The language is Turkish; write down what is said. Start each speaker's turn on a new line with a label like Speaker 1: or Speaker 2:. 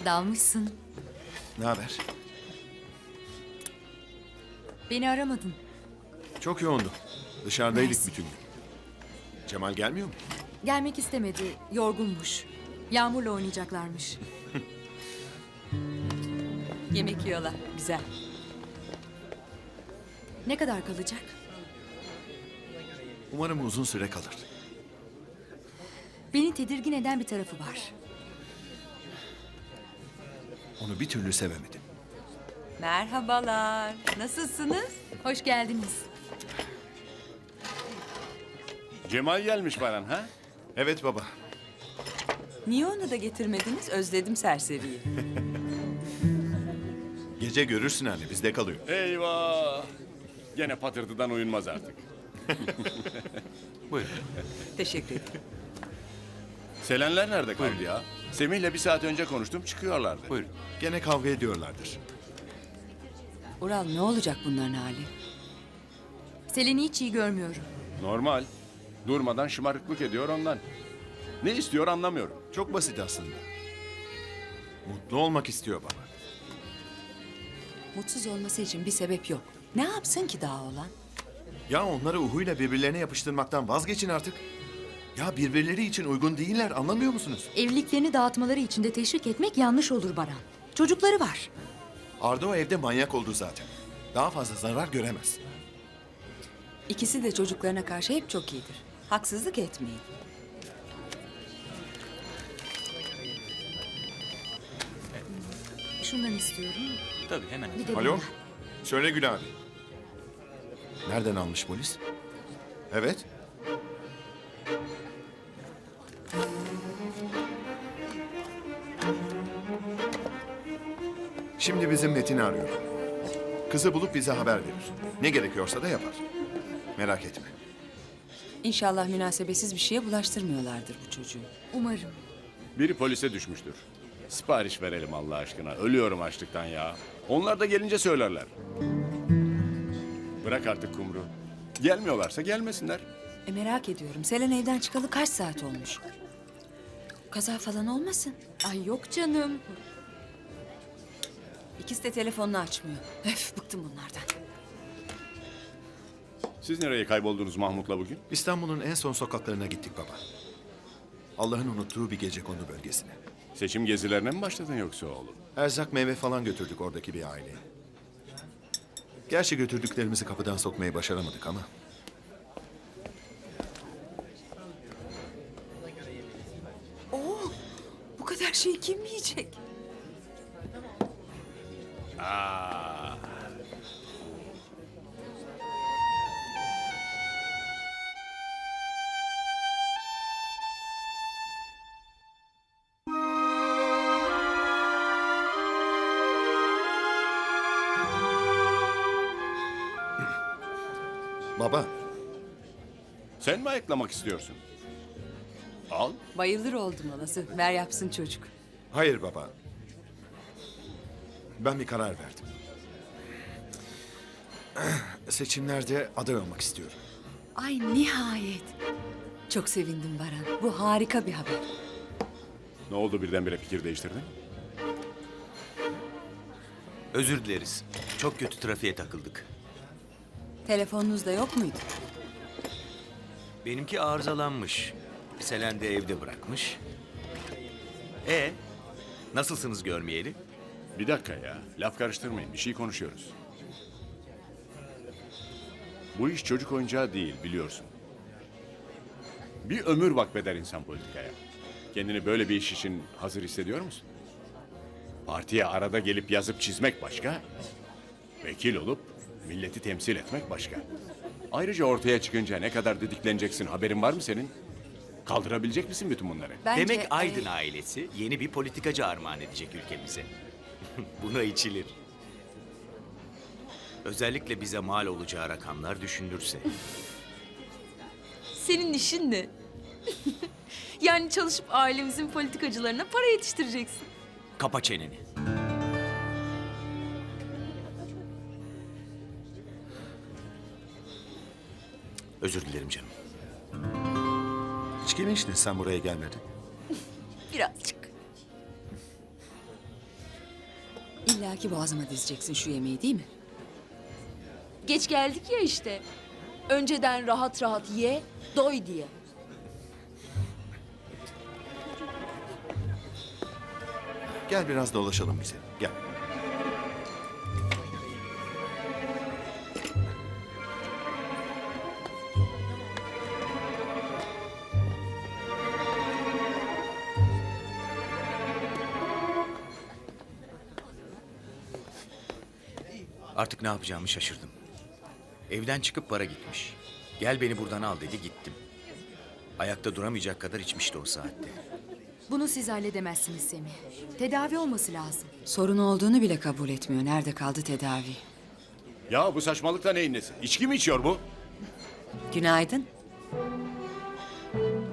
Speaker 1: Dalmışsın.
Speaker 2: Ne haber?
Speaker 1: Beni aramadın.
Speaker 2: Çok yoğundu. Dışarıdaydık
Speaker 1: Mersi.
Speaker 2: bütün gün. Cemal gelmiyor mu?
Speaker 1: Gelmek istemedi. Yorgunmuş. Yağmurla oynayacaklarmış.
Speaker 3: Yemek yiyorlar. Güzel.
Speaker 1: Ne kadar kalacak?
Speaker 2: Umarım uzun süre kalır.
Speaker 1: Beni tedirgin eden bir tarafı var.
Speaker 2: Onu bir türlü sevemedim.
Speaker 3: Merhabalar. Nasılsınız?
Speaker 1: Hoş geldiniz.
Speaker 4: Cemal gelmiş Baran ha?
Speaker 2: Evet baba.
Speaker 3: Niye onu da getirmediniz? Özledim serseriyi.
Speaker 2: Gece görürsün anne, bizde kalıyor.
Speaker 4: Eyvah! Gene patırtıdan uyunmaz artık.
Speaker 2: Buyurun.
Speaker 3: Teşekkür ederim.
Speaker 4: Selenler nerede kaldı ya? Semih'le bir saat önce konuştum, çıkıyorlardı.
Speaker 2: Buyurun. Gene kavga ediyorlardır.
Speaker 3: Ural ne olacak bunların hali?
Speaker 1: Selen'i hiç iyi görmüyorum.
Speaker 4: Normal. Durmadan şımarıklık ediyor ondan. Ne istiyor anlamıyorum.
Speaker 2: Çok basit aslında. Mutlu olmak istiyor baba.
Speaker 3: Mutsuz olması için bir sebep yok. Ne yapsın ki daha olan?
Speaker 2: Ya onları Uhu'yla birbirlerine yapıştırmaktan vazgeçin artık. Ya birbirleri için uygun değiller, anlamıyor musunuz?
Speaker 1: Evliliklerini dağıtmaları için de teşvik etmek yanlış olur Baran. Çocukları var.
Speaker 2: Arda o evde manyak oldu zaten. Daha fazla zarar göremez.
Speaker 3: İkisi de çocuklarına karşı hep çok iyidir. Haksızlık etmeyin.
Speaker 1: Şundan istiyorum.
Speaker 5: Tabii hemen.
Speaker 1: Bir de
Speaker 2: Alo?
Speaker 1: bundan.
Speaker 2: Söyle Gül abi. Nereden almış polis? Evet. Şimdi bizim Metin'i arıyorum. Kızı bulup bize haber verir. Ne gerekiyorsa da yapar. Merak etme.
Speaker 3: İnşallah münasebetsiz bir şeye bulaştırmıyorlardır bu çocuğu.
Speaker 1: Umarım.
Speaker 4: Biri polise düşmüştür. Sipariş verelim Allah aşkına. Ölüyorum açlıktan ya. Onlar da gelince söylerler. Bırak artık Kumru. Gelmiyorlarsa gelmesinler.
Speaker 3: Merak ediyorum. Selen evden çıkalı kaç saat olmuş? Kaza falan olmasın?
Speaker 1: Ay yok canım.
Speaker 3: İkisi de telefonunu açmıyor. Öf bıktım bunlardan.
Speaker 4: Siz nereye kayboldunuz Mahmut'la bugün?
Speaker 2: İstanbul'un en son sokaklarına gittik baba. Allah'ın unuttuğu bir gecekondu bölgesine.
Speaker 4: Seçim gezilerine mi başladın yoksa oğlum?
Speaker 2: Erzak meyve falan götürdük oradaki bir aileye. Gerçi götürdüklerimizi kapıdan sokmayı başaramadık ama.
Speaker 3: Bu kadar şeyi kim yiyecek?
Speaker 2: Baba,
Speaker 4: Sen mi ayıklamak istiyorsun? Al.
Speaker 3: Bayılır oldum olası. Ver yapsın çocuk.
Speaker 2: hayır baba. Ben bir karar verdim. Seçimlerde aday olmak istiyorum.
Speaker 3: Ay nihayet. Çok sevindim Baran. Bu harika bir haber.
Speaker 4: Ne oldu birdenbire fikir değiştirdin?
Speaker 5: Özür dileriz. Çok kötü trafiğe takıldık.
Speaker 3: Telefonunuz da yok muydu?
Speaker 5: Benimki arızalanmış. Selen de evde bırakmış. Nasılsınız görmeyeli?
Speaker 4: Bir dakika ya. Laf karıştırmayın. Bir şey konuşuyoruz. Bu iş çocuk oyuncağı değil biliyorsun. Bir ömür vakfeder insan politikaya. Kendini böyle bir iş için hazır hissediyor musun? Partiye arada gelip yazıp çizmek başka. Vekil olup milleti temsil etmek başka. Ayrıca ortaya çıkınca ne kadar didikleneceksin haberin var mı senin? Kaldırabilecek misin bütün bunları?
Speaker 3: Bence,
Speaker 5: Demek Aydın ailesi yeni bir politikacı armağan edecek ülkemize. Buna içilir. Özellikle bize mal olacağı rakamlar düşünülürse.
Speaker 6: Senin işin ne? Yani çalışıp ailemizin politikacılarına para yetiştireceksin.
Speaker 5: Kapa çeneni. Özür dilerim canım.
Speaker 2: İçki mi içtin sen buraya gelmedin?
Speaker 6: Birazcık.
Speaker 3: İlla ki boğazıma dizeceksin şu yemeği değil mi?
Speaker 6: Geç geldik ya işte. Önceden rahat rahat ye, doy diye.
Speaker 2: Gel biraz dolaşalım bize. Gel.
Speaker 5: Artık ne yapacağımı şaşırdım. Evden çıkıp bara gitmiş. Gel beni buradan al dedi, gittim. Ayakta duramayacak kadar içmişti o saatte.
Speaker 1: Bunu siz halledemezsiniz Semih. Tedavi olması lazım.
Speaker 3: Sorun olduğunu bile kabul etmiyor. Nerede kaldı tedavi?
Speaker 4: Ya bu saçmalıkta neyin nesi? İçki mi içiyor bu?
Speaker 3: Günaydın.